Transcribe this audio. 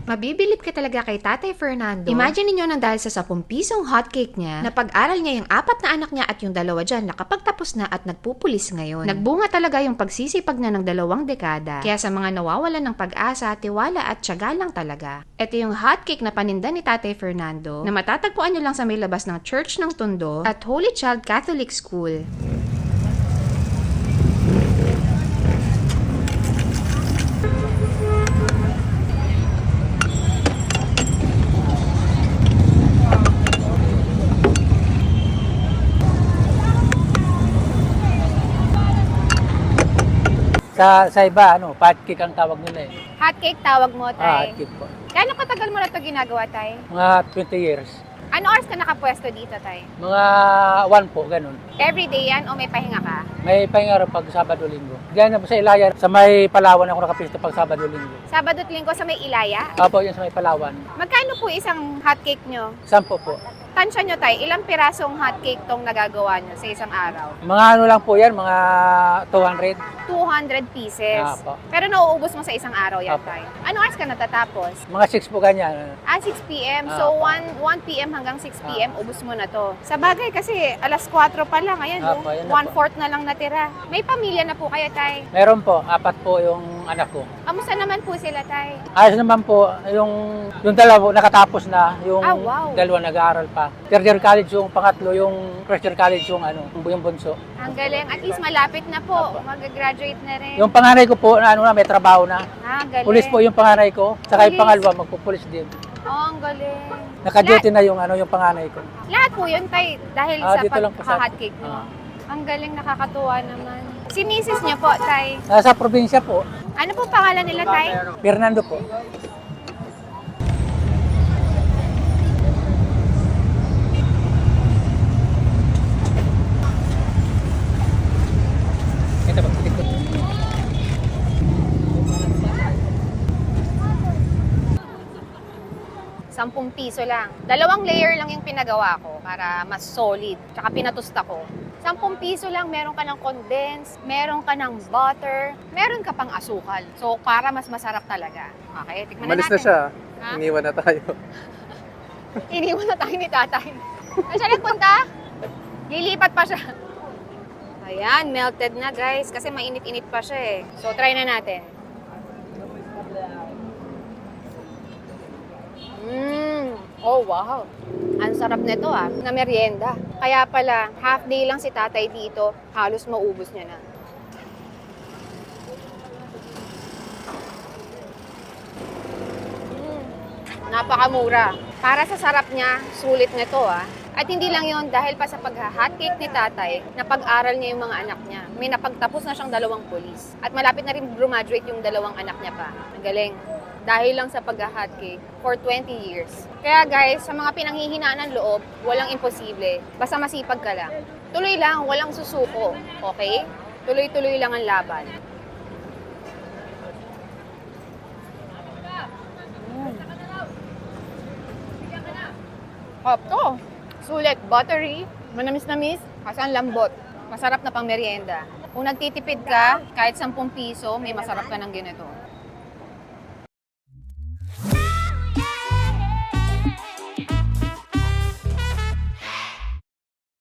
Mabibilib ka talaga kay Tatay Fernando. Imagine niyo nang dahil sa 10 pisong hotcake niya, napag-aral niya yung 4 na anak niya at yung 2 dyan nakapagtapos na at nagpupulis ngayon. Nagbunga talaga yung pagsisipag niya ng 2 dekada. Kaya sa mga nawawalan ng pag-asa, tiwala at tiyaga lang talaga. Ito yung hotcake na paninda ni Tatay Fernando na matatagpuan niyo lang sa may labas ng Church ng Tondo at Holy Child Catholic School. Sa iba, pancake ang tawag nila eh. Hotcake tawag mo, Tay. Hotcake po. Kano katagal mo na ito ginagawa, Tay? Mga 20 years. Ano oras ka nakapwesto dito, Tay? Mga 1 po, ganun. Everyday yan o may pahinga ka? May pahinga rin pag Sabado-Linggo. Diyan na po sa Ilaya, sa may Palawan ako nakapisto pag Sabado-Linggo. Sabado at Linggo sa may Ilaya? Opo, yan sa may Palawan. Magkano po isang hotcake nyo? 10 po. Tansya nyo, Tay, ilang pirasong hotcake tong nagagawa nyo sa isang araw? Mga ano lang po yan, mga 200. 200 pieces. Apo. Pero nauubos mo sa isang araw yan, Apo. Tay. Ano oras ka natatapos? Mga 6 po ganyan. 6 p.m. So, 1 p.m. hanggang 6 p.m. ubos mo na to. Sa bagay kasi, alas 4 pa lang. Ayan, Apo, no? yan na po. 1/4 na lang natira. May pamilya na po kayo, Tay. Meron po, 4 po yung anak ko. Kamusta naman po sila, Tay? Ayos naman po, yung 2 nakatapos na, yung Ah, wow. 2 nag-aaral pa. Third year college yung pangatlo, yung first year college yung yung bunso. Ang galing. At least malapit na po. Apo. Mag-graduate na rin. Yung panganay ko po, may trabaho na. Ang galing. Pulis po yung panganay ko, saka yung Pulis. pangalawa, magpupulis din. Oh, ang galing. Naka-duty na yung panganay ko. Lahat po yun, Tay, dahil Dito lang po sa- pagka-hotcake nyo. Ah. Ang galing, nakakatuwa naman. Si misis niyo po, Tay. Nasa probinsya po, Ano po pangalan nila, Tay? Fernando po. Ito ba? Ito. 10 piso lang. 2 layer lang yung pinagawa ko para mas solid. Tsaka pinatusta ko. 10 piso lang, meron ka ng condensed, meron ka ng butter, meron ka pang asukal. So, para mas masarap talaga. Okay, tikman na Malis natin. na siya. Ha? Iniwan na tayo. Iniwan na tayo ni tatay. Saan siya nagpunta? Lilipat pa siya. Ayan, melted na guys. Kasi mainit-init pa siya eh. So, try na natin. Oh, wow. Ang sarap nito na merienda. Kaya pala, half day lang si tatay dito, halos maubos niya na. Napakamura. Para sa sarap niya, sulit nito At hindi lang yon dahil pa sa pag-hotcake ni tatay, napag-aral niya yung mga anak niya. May napagtapos na siyang 2 pulis. At malapit na rin graduate yung 2 anak niya pa. Ang galing. Dahil lang sa pag-hotcake for 20 years. Kaya guys, sa mga pinanghihinaan ng loob, walang imposible. Basta masipag ka lang. Tuloy lang, walang susuko. Okay? Tuloy-tuloy lang ang laban. Hop to. Sulit, buttery, manamis-namis, kasi ang lambot. Masarap na pang merienda. Kung nagtitipid ka, kahit 10 piso, may masarap ka ng ganito.